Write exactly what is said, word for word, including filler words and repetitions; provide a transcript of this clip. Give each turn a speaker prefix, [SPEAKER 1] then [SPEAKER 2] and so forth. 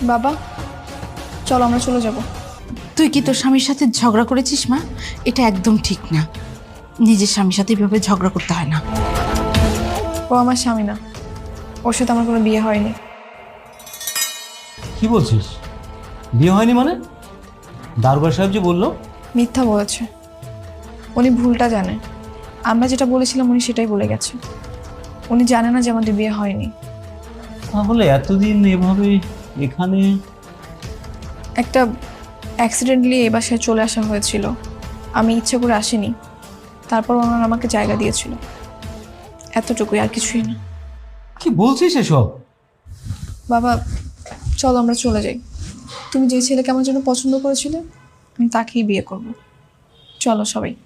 [SPEAKER 1] বাবা চলো আমরা চলে যাব।
[SPEAKER 2] তুই কি তোর স্বামীর সাথে ঝগড়া করেছিস মা? এটা একদম ঠিক না। নিজের স্বামীর সাথে এভাবে ঝগড়া করতে হয় না।
[SPEAKER 1] ও আমার স্বামী না, ওর সাথে আমার কোনো বিয়ে হয়নি।
[SPEAKER 3] কি বলছিস? বিয়ে হয়নি মানে? দারোগা সাহেব যে বললো।
[SPEAKER 1] মিথ্যা বলেছে, উনি ভুলটা জানে। আমরা যেটা বলেছিলাম উনি সেটাই বলে গেছে। উনি জানে না যে আমাদের বিয়ে হয়নি।
[SPEAKER 3] তাহলে এতদিন এভাবে এখানে?
[SPEAKER 1] একটা অ্যাক্সিডেন্টলি এই বাসায় চলে আসা হয়েছিল, আমি ইচ্ছে করে আসিনি। তারপর ওনারা আমাকে জায়গা দিয়েছিল, এতটুকুই, আর কিছুই না।
[SPEAKER 3] কি বলছিস এসব?
[SPEAKER 1] বাবা চলো আমরা চলে যাই। তুমি যে ছেলেকে আমার জন্য পছন্দ করেছিলে আমি তাকেই বিয়ে করব। চলো সবাই।